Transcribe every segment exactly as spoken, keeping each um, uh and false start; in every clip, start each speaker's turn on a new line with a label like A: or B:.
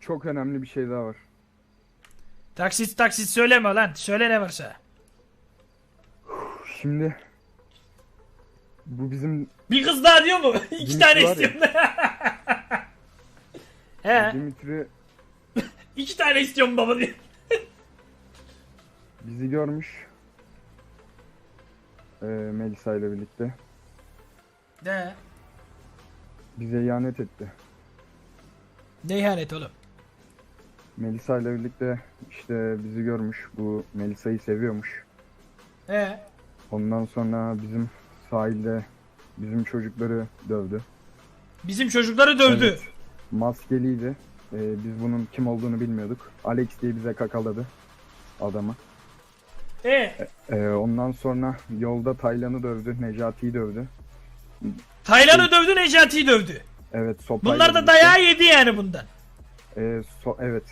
A: çok önemli bir şey daha var.
B: Taksit taksit söyleme lan. Söyle ne varsa.
A: Şimdi bu bizim
B: Bir kız daha diyor mu? İki
A: Dimitri
B: tane
A: var ya.
B: istiyorum. He.
A: Dimitri
B: İki tane istiyorum baba diyor.
A: bizi görmüş. Ee, Melisa ile birlikte.
B: Ne?
A: Bize ihanet etti.
B: Ne ihanet oğlum?
A: Melisa ile birlikte işte bizi görmüş. Bu Melisa'yı seviyormuş.
B: He.
A: Ondan sonra bizim sahilde bizim çocukları dövdü.
B: Bizim çocukları dövdü.
A: Evet. Maskeliydi. Ee, biz bunun kim olduğunu bilmiyorduk. Alex diye bize kakaladı adamı.
B: E.
A: Ee, ondan sonra yolda Taylan'ı dövdü, Necati'yi dövdü.
B: Taylan'ı dövdü, Necati'yi dövdü.
A: Evet, sopayla
B: Bunlar da
A: birlikte.
B: dayağı yedi yani bundan.
A: Ee, so- evet.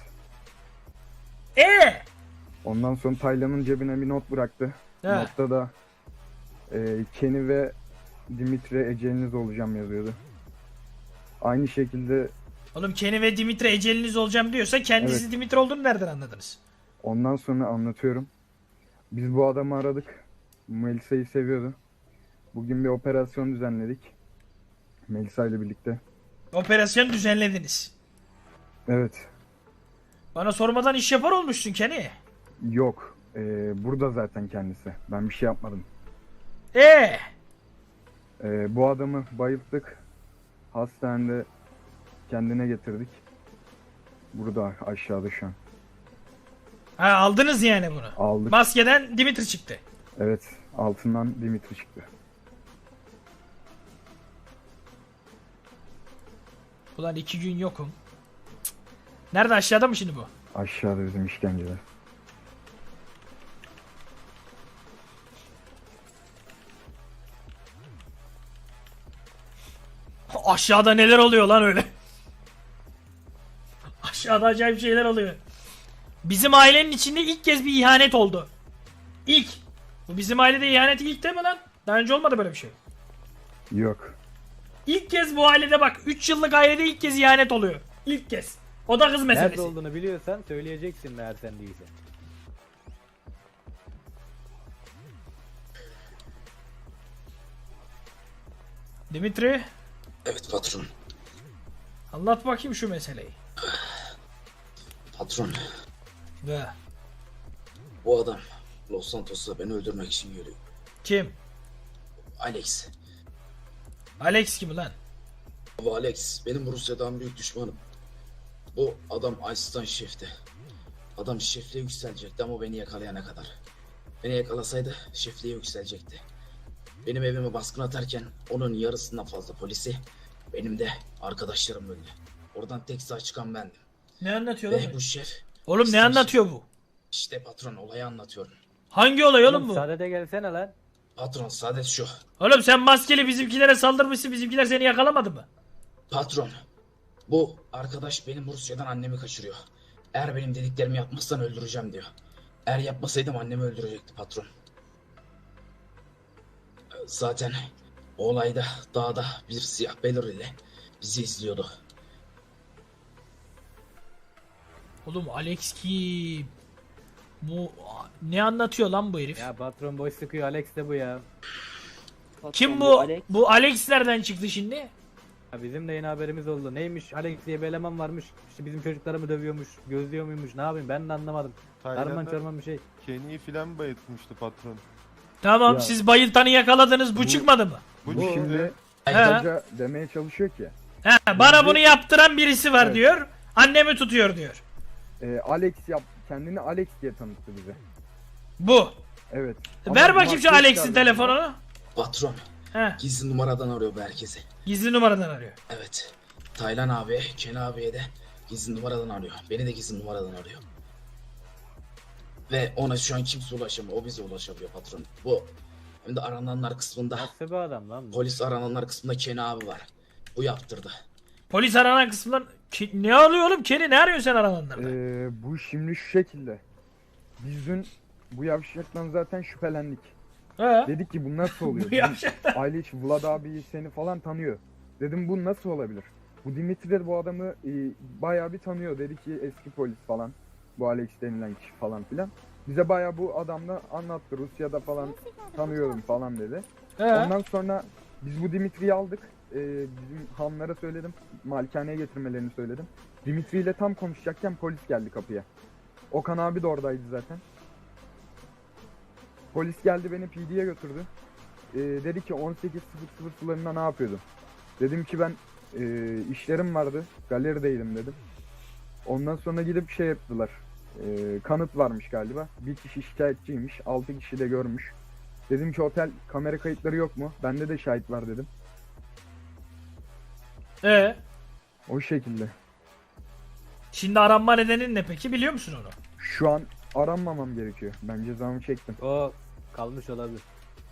B: E.
A: Ondan sonra Taylan'ın cebine bir not bıraktı.
B: He.
A: Notta da e, Kenny ve Dimitri eceliniz olacağım yazıyordu. Aynı şekilde
B: Oğlum Kenny ve Dimitri eceliniz olacağım diyorsa kendisi
A: Evet.
B: Dimitri olduğunu nereden anladınız?
A: ondan sonra anlatıyorum. Biz bu adamı aradık. Melisa'yı seviyordu. Bugün bir operasyon düzenledik. Melisa ile birlikte.
B: Operasyon düzenlediniz.
A: Evet.
B: Bana sormadan iş yapar olmuşsun Kenny.
A: Yok. Ee, burada zaten kendisi. Ben bir şey yapmadım.
B: E.
A: Ee, bu adamı bayılttık. Hastanede kendine getirdik. Burada aşağıda şu an.
B: Ha aldınız yani bunu.
A: Aldık.
B: Maskeden Dimitri çıktı.
A: Evet. Altından Dimitri çıktı.
B: Ulan iki gün yokum. Cık. Nerede, aşağıda mı şimdi bu?
A: Aşağıda bizim işkenceler.
B: Aşağıda neler oluyor lan öyle? Aşağıda acayip şeyler oluyor. Bizim ailenin içinde ilk kez bir ihanet oldu. İlk. Bu bizim ailede ihanet ilk değil mi lan? Daha önce olmadı böyle bir şey.
A: Yok.
B: İlk kez bu ailede bak. üç yıllık ailede ilk kez ihanet oluyor. İlk kez. O da kız meselesi.
C: Nerede olduğunu biliyorsan söyleyeceksin eğer sen değilse.
B: Dimitri,
D: Evet patron.
B: anlat bakayım şu meseleyi.
D: Patron.
B: Ve
D: Bu adam Los Santos'ta beni öldürmek için geliyor.
B: kim?
D: Alex.
B: Alex kim lan?
D: Bu Alex benim Rusya'dan büyük düşmanım. Bu adam asistan şefti. Adam şefliğe yükselecekti ama beni yakalayana kadar. Beni yakalasaydı şefliğe yükselecekti. Benim evime baskın atarken onun yarısından fazla polisi, benim de arkadaşlarım öldü. Oradan tek sağ çıkan bendim.
B: Ne anlatıyor
D: Ve
B: lan?
D: bu şef...
B: Oğlum ne
D: asistan
B: anlatıyor
D: şef-
B: bu?
D: İşte patron olayı anlatıyorum.
B: Hangi olay oğlum bu?
C: Sadede gelsene lan.
D: Patron saadet şu.
B: Oğlum sen maskeli bizimkilere saldırmışsın, bizimkiler seni yakalamadı mı?
D: Patron, bu arkadaş benim Rusya'dan annemi kaçırıyor. Eğer benim dediklerimi yapmazsan öldüreceğim diyor. Eğer yapmasaydım annemi öldürecekti patron. Zaten o olayda dağda bir siyah belir ile bizi izliyordu.
B: Oğlum Alex kim? Bu ne anlatıyor lan bu herif?
C: Ya patron boş sıkıyor, Alex de bu ya.
B: Kim bu? Bu Alex nereden çıktı şimdi?
C: Ya bizim de yeni haberimiz oldu. Neymiş, Alex diye bir eleman varmış. İşte bizim çocukları mı dövüyormuş, gözlüyor muymuş, ne yapayım ben de anlamadım. Karman
E: Tayland'a
C: çorman bir şey.
E: Kenny'yi filan bayıltmıştı patron.
B: Tamam,
A: Ya.
B: siz bayıltanı yakaladınız, bu,
A: Bu-
B: çıkmadı mı?
E: Bu,
A: Bu
E: şimdi
A: şimdi
B: He.
A: kısaca demeye çalışıyor ki
B: He, bana bunu yaptıran birisi var
A: Evet.
B: diyor. Annemi tutuyor diyor.
A: e, Alex yap kendini Alex diye tanıttı bize.
B: Bu.
A: Evet.
B: Ver
A: Ama
B: bakayım şu
A: maske
B: Alex'in
A: çıkardı.
B: telefonunu.
D: Patron,
B: He,
D: gizli numaradan arıyor bu herkese.
B: gizli numaradan arıyor.
D: Evet, Taylan abi, Ken abiye de gizli numaradan arıyor. Beni de gizli numaradan arıyor. Ve ona şu an kimse ulaşamıyor, o bize ulaşabiliyor patron. Bu, hem de arananlar kısmında,
C: Nasıl bir adam lan bu?
D: polis arananlar kısmında Ken abi var. Bu yaptırdı.
B: Polis aranan kısımdan Ki- ne arıyor oğlum? Kenny ne arıyorsun sen arananlarda?
A: Ee, bu şimdi şu şekilde. Biz dün bu yavşaktan zaten şüphelendik.
B: He.
A: Dedik ki bu nasıl oluyor?
B: Bu
A: Bizim
B: yavşaktan.
A: aile içi Vlad abi seni falan tanıyor. Dedim bu nasıl olabilir? Bu Dimitri de bu adamı e, bayağı bir tanıyor. Dedi ki eski polis falan. Bu Alex denilen kişi falan filan. Bize bayağı bu adamla anlattı. Rusya'da falan tanıyorum falan dedi.
B: He.
A: Ondan sonra biz bu Dimitri'yi aldık. Ee, bizim hanlara söyledim. Malikaneye getirmelerini söyledim. Dimitri ile tam konuşacakken polis geldi kapıya. Okan abi de oradaydı zaten. Polis geldi, beni P D'ye götürdü. Ee, dedi ki on sekiz sıfır sıfır sularında ne yapıyordun? Dedim ki ben e, işlerim vardı. Galerideydim dedim. Ondan sonra gidip şey yaptılar. Ee, kanıt varmış galiba. Bir kişi şikayetçiymiş. Altı kişi de görmüş. Dedim ki otel kamera kayıtları yok mu? Bende de şahit var dedim.
B: Ee,
A: O şekilde.
B: şimdi aranma nedenin ne peki, biliyor musun onu?
A: Şu an aranmamam gerekiyor. Ben cezamı çektim.
C: O kalmış olabilir.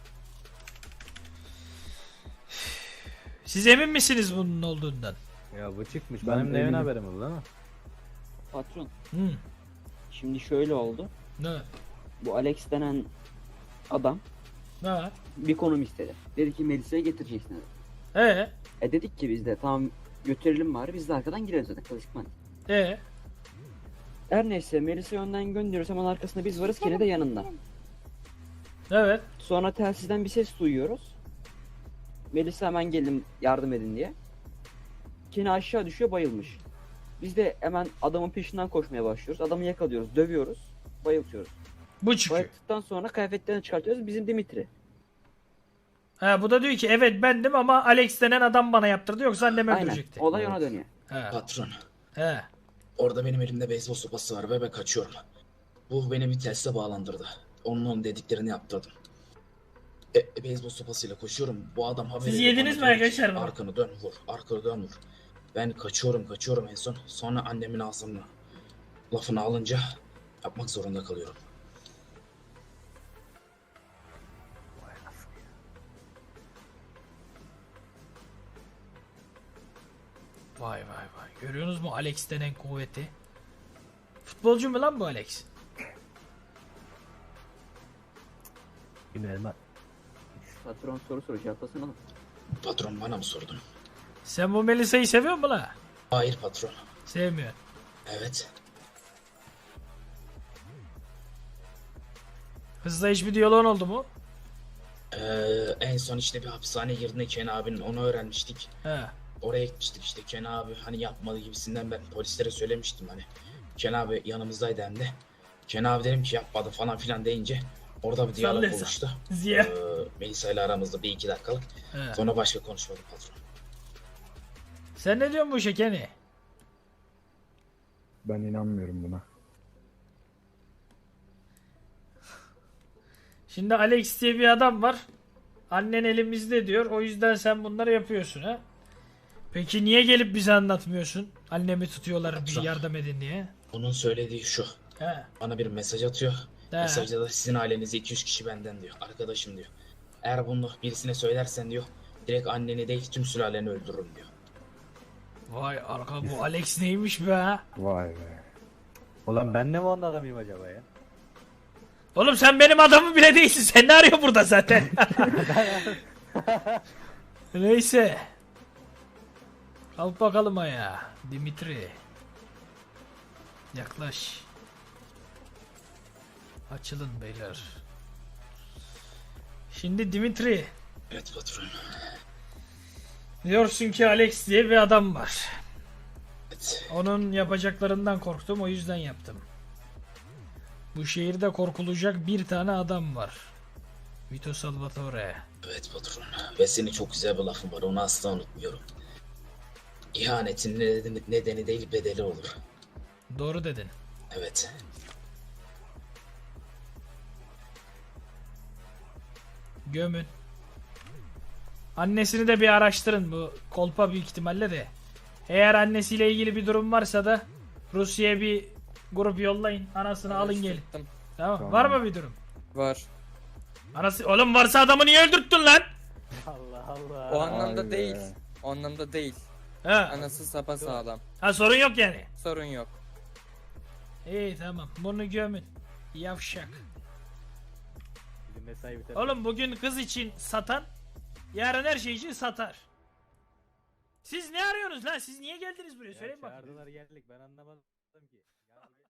B: Siz emin misiniz bunun olduğundan?
C: Ya bu çıkmış.
A: Ben
C: Benim neyin
A: eminim.
C: haberim oldu ama.
F: Patron,
B: Hı.
F: şimdi şöyle oldu.
B: Ne?
F: Bu Alex denen adam
B: Ne?
F: bir konum istedi. Dedi ki Melisa'yı getireceksin dedi.
B: Ee,
F: E dedik ki biz de tamam götürelim bari, biz de arkadan gireriz zaten klasikman.
B: ee.
F: Her neyse Melisa'yı önden gönderiyoruz, hemen arkasında biz varız, Kenny de yanında.
B: Evet.
F: Sonra telsizden bir ses duyuyoruz. Melisa hemen gelin yardım edin diye. Kenny aşağı düşüyor, bayılmış. Biz de hemen adamın peşinden koşmaya başlıyoruz. Adamı yakalıyoruz, dövüyoruz, bayıltıyoruz.
B: Bu çıkıyor.
F: Bayılttıktan sonra kıyafetlerini çıkartıyoruz, bizim Dimitri.
B: Ha, bu da diyor ki evet bendim ama Alex denen adam bana yaptırdı, yoksa annemi
F: Aynen,
B: öldürecekti.
F: olay ona dönüyor.
B: He.
D: Patron,
B: He.
D: orada benim elimde beyzbol sopası var ve ben kaçıyorum. Bu beni bir telsize bağlandırdı. Onun onun dediklerini yaptırdım. E, e, beyzbol sopasıyla koşuyorum. Bu adam haber
B: Siz
D: ediyor,
B: yediniz
D: bana
B: mi
D: diyor ki,
B: arkadaşlar bunu?
D: Arkanı dön vur, arkanı dön vur. Ben kaçıyorum, kaçıyorum en son. Sonra annemin ağzını, lafını alınca yapmak zorunda kalıyorum.
B: Vay vay vay. Görüyorsunuz mu Alex denen kuvveti? Futbolcu mu lan bu Alex?
C: Bilmiyorum ben.
F: Patron soru soru cevaplasın oğlum.
D: Patron, bana mı sordun?
B: Sen bu Melisa'yı seviyor musun la?
D: Hayır patron.
B: Sevmiyor.
D: Evet.
B: Kızla hiçbir diyaloğun oldu mu?
D: Ee, en son işte bir hapishaneye girdiğinde Ken abinin onu öğrenmiştik.
B: He.
D: Oraya gitmiştik işte, Ken abi hani yapmadı gibisinden ben polislere söylemiştim hani. Ken abi yanımızdaydı hem de. Ken abi dedim ki yapmadı falan filan deyince orada bir diyalog
B: Sallıyorsun.
D: oluştu.
B: Ziya.
D: Ee, Melisa ile aramızda bir iki dakikalık.
B: He.
D: Sonra başka konuşmadık patron.
B: Sen ne diyorsun bu işe Kenny?
A: Ben inanmıyorum buna.
B: Şimdi Alex diye bir adam var. Annen elimizde diyor. O yüzden sen bunları yapıyorsun ha? Peki niye gelip bize anlatmıyorsun? Annemi tutuyorlar, bir
D: Patron.
B: yardım edin diye.
D: Onun söylediği şu.
B: He.
D: Bana bir mesaj atıyor.
B: He.
D: Mesajda da sizin ailenize iki yüz kişi benden diyor. Arkadaşım diyor. Eğer bunu birisine söylersen diyor, direkt anneni değil tüm sülaleni öldürürüm diyor.
B: Vay arka, bu Alex neymiş be?
A: Vay be.
C: Ulan ben de mi onun adamıyım acaba ya?
B: Oğlum sen benim adamım bile değilsin. Sen ne arıyor burada zaten? Neyse. Kalk bakalım ayağa. Dimitri. Yaklaş. Açılın beyler. Şimdi Dimitri.
D: Evet patron.
B: Diyorsun ki Alex diye bir adam var.
D: Evet.
B: Onun yapacaklarından korktum, o yüzden yaptım. Bu şehirde korkulacak bir tane adam var. Vito Salvatore.
D: Evet patron. Ve senin çok güzel bir lafın var. Onu asla unutmuyorum. İhanetin nedeni, nedeni değil bedeli olur.
B: Doğru dedin.
D: Evet.
B: Gömün. Annesini de bir araştırın, bu kolpa büyük ihtimalle de. Eğer annesiyle ilgili bir durum varsa da Rusya'ya bir grup yollayın. Anasını alın gelin.
G: Araştırdım.
B: Tamam.
A: Tamam.
B: Var mı bir durum?
G: Var.
B: Anası, oğlum varsa adamı niye öldürttün lan?
C: Allah Allah.
G: O anlamda
A: Vay be.
G: değil. O anlamda değil.
B: Ha.
G: Anası sapasağlam.
B: Ha, sorun yok yani.
G: Sorun yok.
B: İyi tamam. Bunu gömün. Yavşak.
C: Bizim mesai biter.
B: Oğlum bugün kız için satan yarın her şey için satar. Siz ne arıyorsunuz lan? Siz niye geldiniz buraya?
C: Ya
B: Söyleyin bakayım.
C: çağırdılar geldik ben anlamadım ki. Ya,